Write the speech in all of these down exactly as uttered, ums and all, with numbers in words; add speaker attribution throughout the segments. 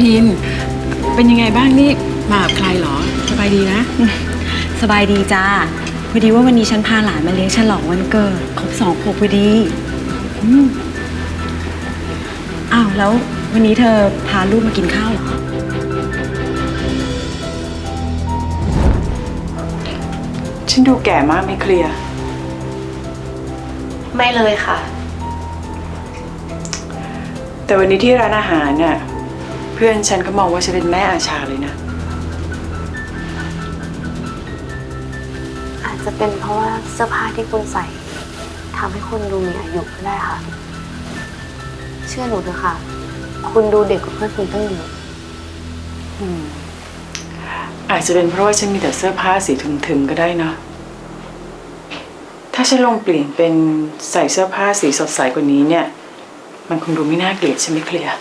Speaker 1: พิมพ์เป็นยังไงบ้างนี่มากับใครเหรอสบายดีนะ
Speaker 2: สบายดีจ้าพอดีว่าวันนี้ฉันพาหลานมาเลี้ยงฉลองวันเกิดครบสองขวบพอดีอืมอ้าวแล้ววันนี้เธอพาลูกมากินข้าวเหรอ
Speaker 1: ฉันดูแก่มากไม่เคลียร์
Speaker 3: ไม่เลยค่ะ
Speaker 1: แต่วันนี้ที่ร้านอาหารน่ะเพื่อนฉันก็มองว่าฉันเป็นแม่อาชาเลยนะ
Speaker 3: อาจจะเป็นเพราะว่าเสื้อผ้าที่คุณใส่ทำให้คุณดูมีอายุก็ได้ค่ะเชื่อหนูเถอะค่ะคุณดูเด็กกว่าเพื่อนคุณตั้งเยอะ
Speaker 1: อืมอาจจะเป็นเพราะว่าฉันมีแต่เสื้อผ้าสีถึงๆก็ได้นะถ้าฉันลองเปลี่ยนเป็นใส่เสื้อผ้าสีสดใสกว่านี้เนี่ยมันคงดูไม่น่าเกลียดใช่ไหมเคลียร์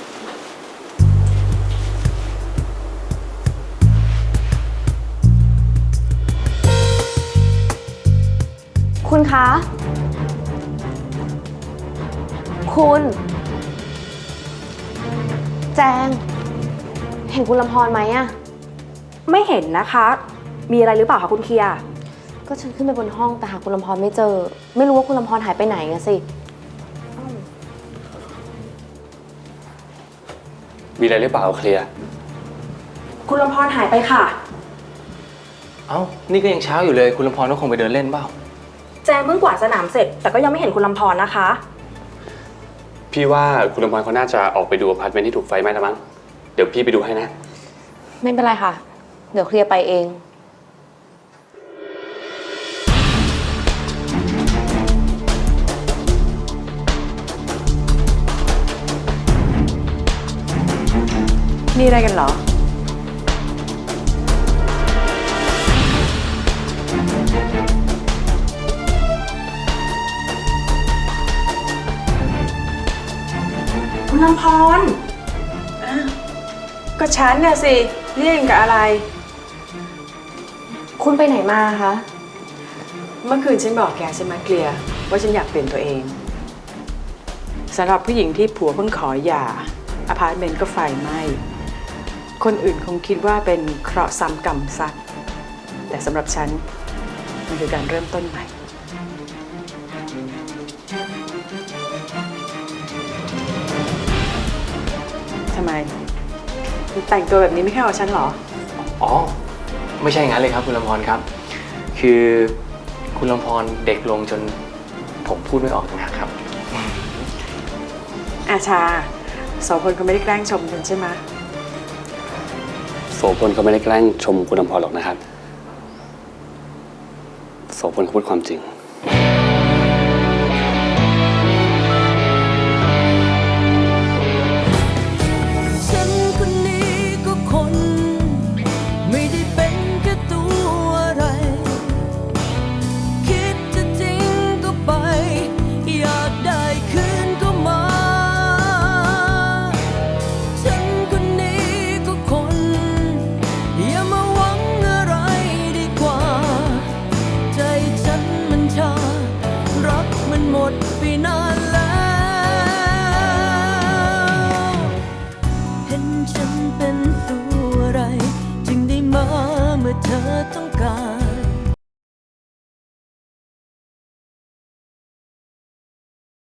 Speaker 3: คุณคะคุณแจงเห็นคุณลำพรไหมอะ
Speaker 4: ไม่เห็นนะคะมีอะไรหรือเปล่าคะคุณเคียร์
Speaker 3: ก็ฉันขึ้นไปบนห้องแต่หาคุณลำพรไม่เจอไม่รู้ว่าคุณลำพรหายไปไหนอะสิ
Speaker 5: มีอะไรหรือเปล่าเคลียร์
Speaker 4: คุณลำพรหายไปค่ะ
Speaker 5: เอ้านี่ก็ยังเช้าอยู่เลยคุณลำพรก็คงไปเดินเล่นเปล่า
Speaker 4: แจงเพิ่งกวาดสนามเสร็จแต่ก็ยังไม่เห็นคุณลำพรนะคะ
Speaker 5: พี่ว่าคุณลำพรเขาน่าจะออกไปดูอพาร์ตเมนต์ที่ถูกไฟไหม้แล้วมั้งเดี๋ยวพี่ไปดูให้นะ
Speaker 3: ไม่เป็นไรค่ะเดี๋ยวเคลียร์ไปเอง
Speaker 1: นี่อะไรกันเหรอ
Speaker 4: คุณลำพร
Speaker 1: ก็ฉันน่ะสิเรียกกับอะไร
Speaker 3: คุณไปไหนมาคะ
Speaker 1: เมื่อคืนฉันบอกแกใช่ไหมเคลียร์ว่าฉันอยากเปลี่ยนตัวเองสำหรับผู้หญิงที่ผัวเพิ่งขอหย่าอพาร์ตเมนต์ก็ไฟไหม้คนอื่นคงคิดว่าเป็นเคราะห์ซ้ำกรรมซัดแต่สำหรับฉันมันคือการเริ่มต้นใหม่ทำไมแต่งตัวแบบนี้ไม่แค่เอาฉันเหรอ
Speaker 5: อ๋อไม่ใช่งั้นเลยครับคุณลำพรครับคือคุณลำพรเด็กลงจนผมพูดไม่ออกต่างหากครับ
Speaker 1: อาชาโสพลเขาไม่ได้แกล้งชมฉันใช่ไหม
Speaker 5: โสพลเขาไม่ได้แกล้งชมคุณลำพรหรอกนะครับโสพลเขาพูดความจริง